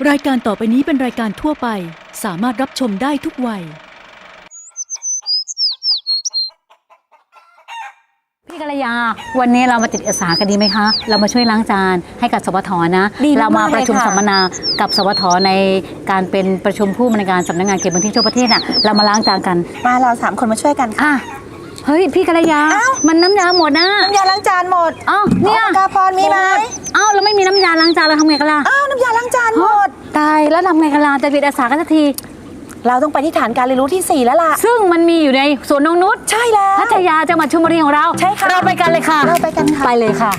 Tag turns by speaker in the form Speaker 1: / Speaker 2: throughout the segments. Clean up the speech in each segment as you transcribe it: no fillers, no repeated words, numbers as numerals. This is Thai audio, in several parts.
Speaker 1: รายการต่อไปนี้เป็นรายการทั่วไปสามารถรับชมได้ทุกวัย
Speaker 2: พี่กัลยาวันนี้เรามาติดอาสากันดีไหมคะเรามาช่วยล้างจานให้กับสวทนะเรามาประชุมสัมมนากับสวทในการเป็นประชุมผู้บริการสำนักงานเก็บบันทึกทั่วประเทศน่ะเรามาล้างจานกัน
Speaker 3: มาเรา3 คนมาช่วยกันค่ะ
Speaker 2: เฮ้ยพี่กัลยามันน้ำยาหมดนะ
Speaker 3: น้ำยาล้างจานหมด
Speaker 2: เนี่ย
Speaker 3: กาพรมีไหม
Speaker 2: แล้วไม่มีน้ำยาล้างจานเราทำไงกันล่ะ
Speaker 3: น้ำยาล้างจานหมด
Speaker 2: ตายแล้วทำไงกันล่ะจะติดอาสากันสักที
Speaker 3: เราต้องไปที่ฐานการเรียนรู้ที่4แล้วล่ะ
Speaker 2: ซึ่งมันมีอยู่ในสวนนงนุช
Speaker 3: ใช่แล้ว
Speaker 2: พัทยาจังหวัดชลบุรีของเรา
Speaker 3: ใช่ค่ะ
Speaker 2: เราไปกันเลยค่ะ
Speaker 3: เราไปกันค่ะ
Speaker 2: ไปเลยค่ะ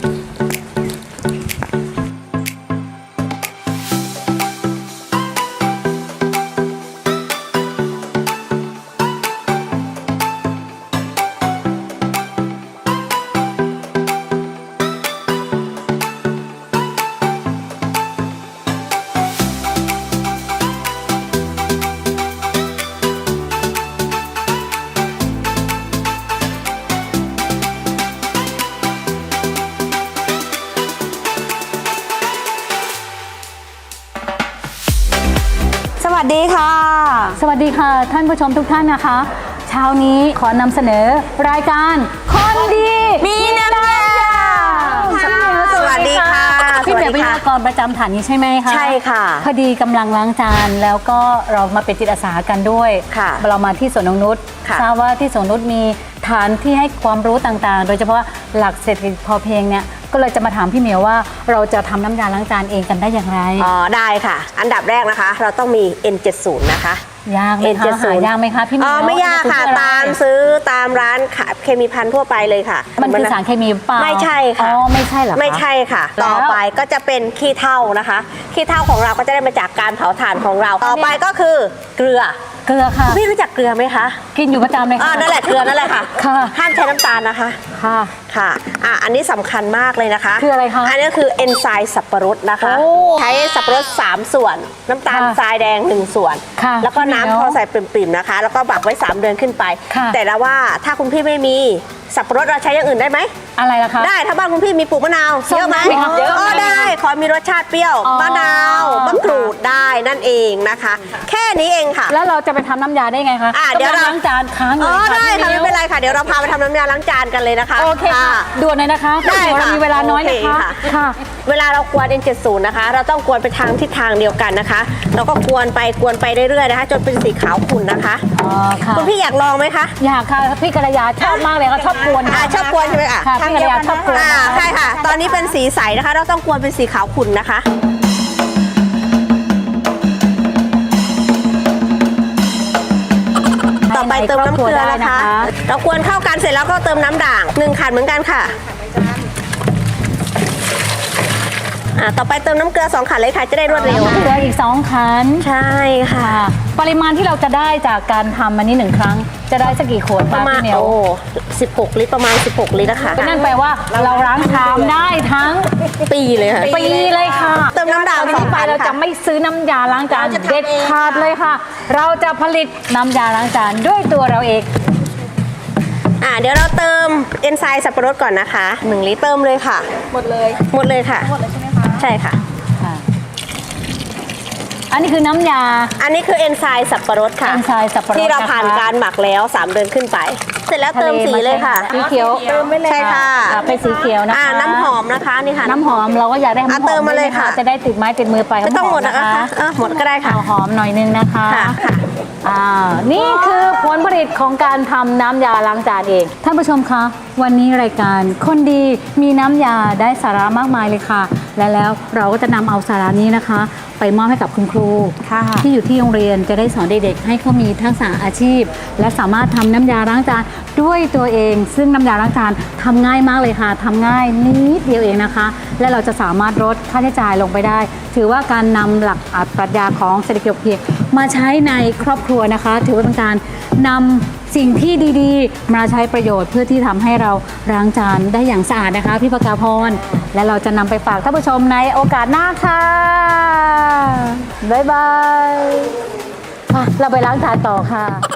Speaker 3: สวัสดีค่ะ
Speaker 2: สวัสดีค่ะท่านผู้ชมทุกท่านนะคะเช้านี้ขอนำเสนอรายการคนดี
Speaker 3: มีน้ำยาสวัสดีค่ะ
Speaker 2: พี่เหมียวเป็นพิธีกรประจำฐานนี้ใช่ไหมคะ
Speaker 3: ใช่ค่ะ
Speaker 2: พอดีกำลังล้างจานแล้วก็เรามาเป็นจิตอาสากันด้วยเรามาที่สวนนงนุชทราบว่าที่สวนนงนุชมีฐานที่ให้ความรู้ต่างๆโดยเฉพาะหลักเศรษฐกิจพอเพียงเนี่ยก็เลยจะมาถามพี่เหมียวว่าเราจะทำน้ำยาล้างจานเองกันได้อย่างไร
Speaker 3: ได้ค่ะอันดับแรกนะคะเราต้องมี N70 นะคะ
Speaker 2: ยากไหมคะหายากไหมคะพี่เหมียว
Speaker 3: ไม่ยากค่ะตามซื้อตามร้านเคมีภัณฑ์ทั่วไปเลยค่ะ
Speaker 2: มันคือสารเคมีเปล่า
Speaker 3: ไม่ใช่ค่ะ
Speaker 2: ไม่ใช่หรอ
Speaker 3: ไม่ใช่ค่ะต่อไปก็จะเป็นขี้เถ้านะคะขี้เถ้าของเราก็จะได้มาจากการเผาถ่านของเราต่อไปก็คือเกลือ
Speaker 2: ค่ะ
Speaker 3: พี่รู้จักเกลือไหมคะ
Speaker 2: กินอยู่ประจำเลยค่ะ
Speaker 3: นั่นแหละเกลือนั่นแหละค่ะห้ามใช้น้ำตาลนะคะ
Speaker 2: ค่ะ
Speaker 3: อันนี้สำคัญมากเลยนะคะ
Speaker 2: คืออะไรคะ
Speaker 3: อันนี้คือเอนไซม์สับปะรดนะคะใช้สับปะรด3 ส่วนน้ำตาลทรายแดง1 ส่วนแล้วก็น้ำพอใส่ปริ่มๆนะคะแล้วก็บักไว้3 เดือนขึ้นไปแต่ละว่าถ้าคุณพี่ไม่มีสับปะรดเราใช้อย่างอื่นได้ไหม
Speaker 2: อะไรล่ะคะ
Speaker 3: ได้ถ้าบ้านคุณพี่มีปลูกมะนาวเยอะไหมเยอะได้ขอมีรสชาติเปรี้ยวมะนาวมะกรูดได้นั่นเองนะคะแค่นี้เองค่ะ
Speaker 2: แล้วเราจะไปทำน้ำยาได้ไงคะ
Speaker 3: เดี๋ยว
Speaker 2: ล้างจานค้างอยู่
Speaker 3: ได้ค่ะไม่เป็นไรค่ะเดี๋ยวเราพาไปทำน้ำยาล้างจานกันเลยนะคะ
Speaker 2: โอเคค่ะด่วนเลยนะคะ
Speaker 3: ได้
Speaker 2: เรามีเวลาน้อยนะคะ
Speaker 3: ค่ะเวลาเรากวน N70 นะคะเราต้องกวนไปทางทิศทางเดียวกันนะคะเราก็กวนไปเรื่อยๆนะคะจนเป็นสีขาวขุ่นนะคะคุณพี่อยากลองไหมคะ
Speaker 2: อยากค่ะพี่กัลยาชอบมากเลยค่ะชอบกวน
Speaker 3: ชอบกวนใช่ไหม
Speaker 2: พี่กัลยาชอบกวน
Speaker 3: ใช่ค่ะตอนนี้เป็นสีใสนะคะเราต้องกวนเป็นสีขาวขุ่นนะคะต่อไปเติมน้ำเกลือนะคะเรากวนเข้ากันเสร็จแล้วก็เติมน้ำด่าง1 ขันเหมือนกันค่ะต่อไปเติมน้ำเกลือ2 ขันเลยค่ะจะได้รวดเร็ว
Speaker 2: เกลืออีก2 ขัน
Speaker 3: ใช่ค่ะ
Speaker 2: ปริมาณที่เราจะได้จากการทำอันนี้1 ครั้งจะได้สักกี่ขวด
Speaker 3: ประมาณ16 ลิตรประมาณ16 ลิตรนะคะ
Speaker 2: นั่นแปลว่าเราล้างชามได้ทั้ง
Speaker 3: ปีเลยค่ะ
Speaker 2: ปีเลยค่ะ
Speaker 3: เติมน้ำด่าง
Speaker 2: 2 ไปเราจะไม่ซื้อน้ำยาล้างจานเด็ดขาดเลยค่ะเราจะผลิตน้ำยาล้างจานด้วยตัวเราเอง
Speaker 3: เดี๋ยวเราเติมเอนไซม์สับปะรดก่อนนะคะ1 ลิตรเติมเลยค่ะหมดเลยค่ะ
Speaker 2: หมดเลยใช่ไหมคะใช่ค่ะอันนี้คือน้ำยา
Speaker 3: อันนี้คือเอนไซม์สับปะรดค่ะที่เราผ่านการหมักแล้ว3 เดือนขึ้นไปเสร็จแล้วเติมสีเลยค่ะ
Speaker 2: สีเขียว
Speaker 3: เติมไม่เลยใช่ค่ะ
Speaker 2: เป็นสีเขียวนะคะ
Speaker 3: น้ำหอมนะคะนี่ค่ะ
Speaker 2: น้ำหอมเราก็อยากได้หอม
Speaker 3: เติมมาเลยค่ะ
Speaker 2: จะได้ติดไม้ติดมือไป
Speaker 3: ไม่ต้องหมดนะคะหมดก็ได้ค่ะ
Speaker 2: หอมหน่อยนึงนะคะนี่คือผลผลิตของการทำน้ำยาล้างจานเองท่านผู้ชมคะวันนี้รายการคนดีมีน้ำยาได้สาระมากมายเลยค่ะและแล้วเราก็จะนำเอาสาระนี้นะคะไปมอบให้กับคุณครูที่อยู่ที่โรงเรียนจะได้สอนเด็กๆให้เขามีทักษะอาชีพและสามารถทำน้ำยาล้างจานด้วยตัวเองซึ่งน้ำยาล้างจานทำง่ายมากเลยค่ะทำง่ายนิดเดียวเองนะคะและเราจะสามารถลดค่าใช้จ่ายลงไปได้ถือว่าการนำหลักปรัชญาของเศรษฐกิจพอเพียงมาใช้ในครอบครัวนะคะถือว่าเป็นการนำสิ่งที่ดีๆมาใช้ประโยชน์เพื่อที่ทำให้เราล้างจานได้อย่างสะอาดนะคะพี่ปกาพรและเราจะนำไปฝากท่านผู้ชมในโอกาสหน้าค่ะบ๊ายบายเราไปล้างจานต่อค่ะ